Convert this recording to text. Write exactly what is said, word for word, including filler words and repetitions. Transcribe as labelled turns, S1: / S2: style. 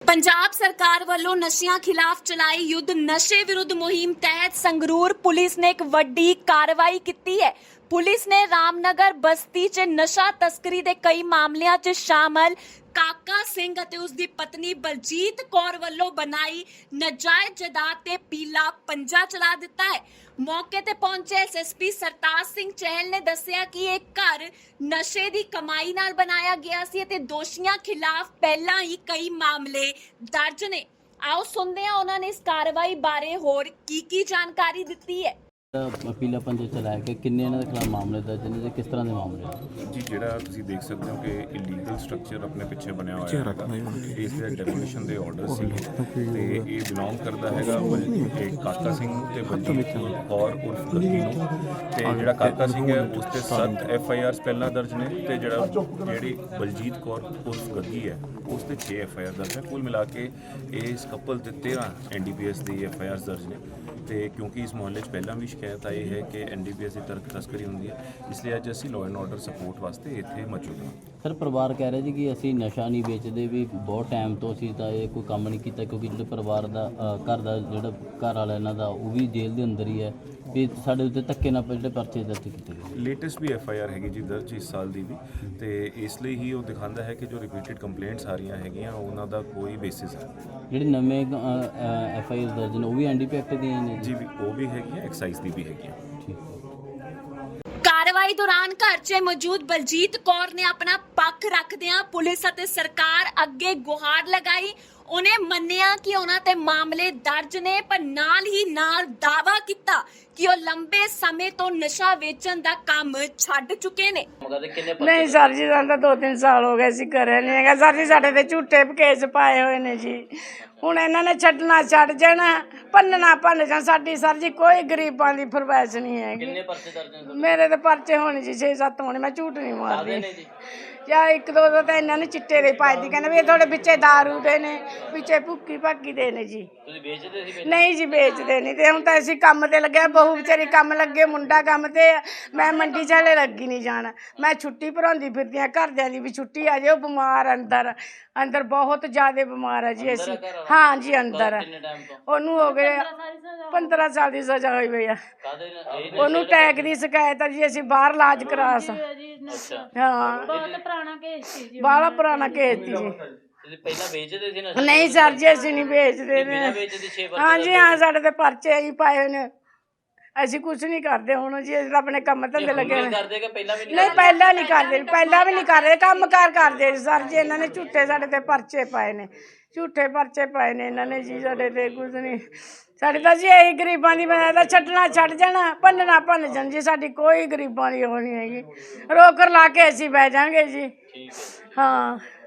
S1: पंजाब सरकार वालों नशियां खिलाफ चलाई युद्ध नशे विरुद्ध मुहिम तहत संगरूर पुलिस ने एक वड्डी कार्रवाई की है। पुलिस ने रामनगर बस्ती च नशा तस्करी के कई मामलों च शामिल काका सिंह अते उसकी पत्नी बलजीत कौर वालों बनाई नाजायज जायदाद ते पीला पंजा चला दिता है। मौके ते पहुंचे S S P Sartaj Singh Chahal ने दस्सिया कि एक घर नशे की कमाई नाल बनाया गया सी ते दोषियों खिलाफ पहला ही कई मामले दर्ज ने। आओ सुनते हैं उन्होंने इस कार्रवाई बारे होर की की जानकारी दी है।
S2: पीला पंजा चलाया कि किन्ने इन्हां दे खिलाफ मामले दर्ज ने ते किस तरह के मामले
S3: जी ਜਿਹੜਾ ਤੁਸੀਂ ਦੇਖ ਸਕਦੇ ਹੋ ਕਿ ਇਲੀਗਲ ਸਟਰਕਚਰ ਆਪਣੇ ਪਿੱਛੇ ਬਣਿਆ ਹੋਇਆ ਹੈ। ਇਸ ਦੇ ਡੈਮੋਲੀਸ਼ਨ ਦੇ ਆਰਡਰ ਸੀ ਤੇ ਇਹ ਬਿਲੋਂਗ ਕਰਦਾ ਹੈਗਾ ਇਹ ਕਾਕਾ ਸਿੰਘ ਤੇ ਬਲਜੀਤ ਕੌਰ ਉਰਫ ਗੱਗੀ ਨੂੰ। ਤੇ ਜਿਹੜਾ ਕਾਕਾ ਸਿੰਘ ਹੈ ਉਸ ਤੇ ਸੱਤ ਐਫ ਆਈ ਆਰਸ ਪਹਿਲਾਂ ਦਰਜ ਨੇ ਤੇ ਜਿਹੜਾ ਜਿਹੜੀ ਬਲਜੀਤ ਕੌਰ ਉਰਫ ਗੱਗੀ ਹੈ ਉਸ ਤੇ ਛੇ ਐਫ ਆਈ ਆਰ ਦਰਜ ਹੈ। ਕੁੱਲ ਮਿਲਾ ਕੇ ਇਸ ਕਪਲ ਦੇ ਤੇਰਾਂ ਐਨ ਡੀ ਪੀ ਐਸ ਦੀ ਐਫ ਆਈ ਆਰਸ ਦਰਜ ਨੇ। ਤੇ ਕਿਉਂਕਿ ਇਸ ਮੁਹੱਲੇ 'ਚ ਪਹਿਲਾਂ ਵੀ ਸ਼ਿਕਾਇਤ ਆਈ ਹੈ ਕਿ ਐਨ ਡੀ ਪੀ ਐਸ ਦੀ ਤਰਕ ਤਸਕਰੀ ਹੁੰਦੀ ਹੈ, ਇਸ ਲਈ ਅੱਜ ਅਸੀਂ ਲਾਅ ਐਂਡ ਆਰਡਰ ਸਪੋਰਟ ਵਾਸਤੇ ਇੱਥੇ ਮੌਜੂਦ ਹਾਂ।
S2: ਸਰ ਪਰਿਵਾਰ ਕਹਿ ਰਿਹਾ ਜੀ ਕਿ ਅਸੀਂ ਨਸ਼ਾ ਨਹੀਂ ਵੇਚਦੇ, ਵੀ ਬਹੁਤ ਟਾਈਮ ਤੋਂ ਅਸੀਂ ਤਾਂ ਇਹ ਕੋਈ ਕੰਮ ਨਹੀਂ ਕੀਤਾ ਕਿਉਂਕਿ ਜਿਹੜੇ ਪਰਿਵਾਰ ਦਾ ਘਰ ਦਾ ਜਿਹੜਾ ਘਰ ਵਾਲਾ ਇਹਨਾਂ ਦਾ ਉਹ ਵੀ ਜੇਲ੍ਹ ਦੇ ਅੰਦਰ ਹੀ ਹੈ, ਵੀ ਸਾਡੇ ਉੱਤੇ ਧੱਕੇ ਨਾਲ ਜਿਹੜੇ ਪਰਚੇ ਦਰਜ ਕੀਤੇ ਗਏ।
S3: ਲੇਟੈਸਟ ਵੀ ਐਫ ਆਈ ਆਰ ਹੈਗੀ ਜੀ ਦਰਜ ਇਸ ਸਾਲ ਦੀ ਵੀ, ਤੇ ਇਸ ਲਈ ਹੀ ਉਹ ਦਿਖਾਉਂਦਾ ਹੈ ਕਿ ਜੋ ਰਿਪੀਟਡ ਕੰਪਲੇਂਟਸ ਆ ਰਹੀਆਂ ਹੈਗੀਆਂ ਉਹਨਾਂ ਦਾ ਕੋਈ ਬੇਸਿਸ ਹੈ।
S2: ਜਿਹੜੇ ਨਵੇਂ ਐਫ ਆਈ ਆਰ ਦਰਜ ਨੇ ਉਹ ਵੀ ਐਨ ਡੀ ਪੀ ਐਕਟ ਦੀਆਂ ਨੇ
S3: ਜੀ ਵੀ ਉਹ ਵੀ ਹੈਗੀਆਂ, ਐਕਸਾਈਜ਼ ਦੀ ਵੀ ਹੈਗੀਆਂ।
S1: कार्रवाई दौरान घर च मौजूद बलजीत कौर ने अपना पक्ष रखदियां पुलिस अते सरकार अगे गुहार लगाई। उन्हें मन्निया कि उन्हां ते मामले दर्ज ने, पर नाल ही नाल दावा किया कि वह लंबे समय तो नशा वेचण दा काम छड्ड चुके ने।
S4: नहीं सर जी सानूं दो तीन साल हो गए सी करे नहीं हैगा सर जी, साडे ते झूठे केस पाए हुए ने जी। ਹੁਣ ਇਹਨਾਂ ਨੇ ਛੱਡਣਾ ਛੱਡ ਜਾਣਾ, ਭੰਨਣਾ ਭੰਨ ਜਾਣਾ। ਸਾਡੀ ਸਰ ਜੀ ਕੋਈ ਗਰੀਬਾਂ ਦੀ ਫਰਮਾਇਸ਼ ਨਹੀਂ ਹੈਗੀ।
S2: ਕਿੰਨੇ ਪਰਚੇ ਦਰਜ ਨੇ?
S4: ਮੇਰੇ ਤੇ ਪਰਚੇ ਹੋਣੇ ਜੀ ਛੇ ਸੱਤ ਹੋਣੇ, ਮੈਂ ਝੂਠ ਨਹੀਂ ਮਾਰਦੀ। ਜਾਂ ਇੱਕ ਦੋ ਦੋ ਤਾਂ ਇਹਨਾਂ ਨੇ ਚਿੱਟੇ ਦੇ ਪਾਏ ਦੀ, ਕਹਿੰਦੇ ਵੀ ਇਹ ਤੁਹਾਡੇ ਵਿੱਚੇ ਦਾਰੂ ਦੇ ਨੇ, ਵਿੱਚੇ ਭੁੱਕੀ ਭਾਕੀ ਦੇ ਨੇ ਜੀ।
S2: ਤੁਸੀਂ ਵੇਚਦੇ ਸੀ?
S4: ਨਹੀਂ ਜੀ ਵੇਚਦੇ ਨਹੀਂ। ਤੇ ਹੁਣ ਤਾਂ ਅਸੀਂ ਕੰਮ ਤੇ ਲੱਗਿਆ, ਬਹੂ ਵਿਚਾਰੀ ਕੰਮ ਲੱਗੇ, ਮੁੰਡਾ ਕੰਮ ਤੇ, ਮੈਂ ਮੰਡੀ ਚਾਲੇ ਲੱਗੀ ਨਹੀਂ ਜਾਣਾ। ਮੈਂ ਛੁੱਟੀ ਭਰਾਉਂਦੀ ਫਿਰਦੀ ਹਾਂ, ਘਰਦਿਆਂ ਦੀ ਵੀ ਛੁੱਟੀ ਆ ਜਾਓ, ਬਿਮਾਰ ਅੰਦਰ ਅੰਦਰ ਬਹੁਤ ਜ਼ਿਆਦਾ ਬਿਮਾਰ ਹੈ ਜੀ ਅਸੀਂ। ਹਾਂ ਜੀ ਅੰਦਰ ਹੈ, ਉਹਨੂੰ ਹੋ ਗਏ ਪੰਦਰਾਂ ਸਾਲ ਦੀ ਸਜ਼ਾ ਹੋਈ ਪਈ ਆ। ਉਹਨੂੰ ਟੈਗ ਦੀ ਸ਼ਿਕਾਇਤ ਆ ਜੀ, ਅਸੀਂ ਬਾਹਰ ਇਲਾਜ ਕਰਾ ਸਕ ਹਾਂ
S5: ਬਹੁਤ ਪੁਰਾਣਾ ਕੇਸ ਸੀ ਜੀ।
S4: ਬਾਹਲਾ ਪੁਰਾਣਾ ਕੇਸ ਸੀ ਜੀ।
S2: ਤੁਸੀਂ ਪਹਿਲਾਂ ਵੇਚਦੇ ਸੀ ਨਸ਼ਾ?
S4: ਨਹੀਂ ਸਰ ਜੀ ਅਸੀਂ ਨਹੀਂ ਵੇਚਦੇ ਨੇ।
S2: ਵੇਚਦੇ ਛੇ
S4: ਹਾਂ ਜੀ ਹਾਂ, ਸਾਡੇ ਤੇ ਪਰਚੇ ਹੀ ਪਾਏ ਹੋਏ ਨੇ। ਅਸੀਂ ਕੁਝ ਨਹੀਂ ਕਰਦੇ ਹੁਣ ਜੀ, ਅਸੀਂ ਆਪਣੇ ਕੰਮ ਧੰਦੇ ਲੱਗੇ ਨੇ।
S2: ਕਰਦੇ ਕਿ ਪਹਿਲਾਂ ਵੀ
S4: ਨਹੀਂ ਪਹਿਲਾਂ ਨਹੀਂ ਕਰਦੇ, ਪਹਿਲਾਂ ਵੀ ਨਹੀਂ ਕਰਦੇ, ਕੰਮ ਕਾਰ ਕਰਦੇ ਸਰ ਜੀ। ਇਹਨਾਂ ਨੇ ਝੂਠੇ ਸਾਡੇ ਤੇ ਪਰਚੇ ਪਾਏ ਨੇ, ਝੂਠੇ ਪਰਚੇ ਪਾਏ ਨੇ ਇਹਨਾਂ ਨੇ ਜੀ ਸਾਡੇ ਤੇ। ਕੁਝ ਨਹੀਂ ਸਾਡੇ ਤਾਂ ਜੀ ਇਹੀ ਗਰੀਬਾਂ ਦੀ ਮੈਂ ਤਾਂ ਛੱਡਣਾ ਛੱਡ ਜਾਣਾ, ਭੰਨਣਾ ਭੰਨ ਜਾਣ ਜੀ। ਸਾਡੀ ਕੋਈ ਗਰੀਬਾਂ ਦੀ ਉਹ ਨਹੀਂ ਹੈਗੀ। ਰੋਕ ਲਾ ਕੇ ਅਸੀਂ ਬਹਿ ਜਾਵਾਂਗੇ ਜੀ। ਹਾਂ।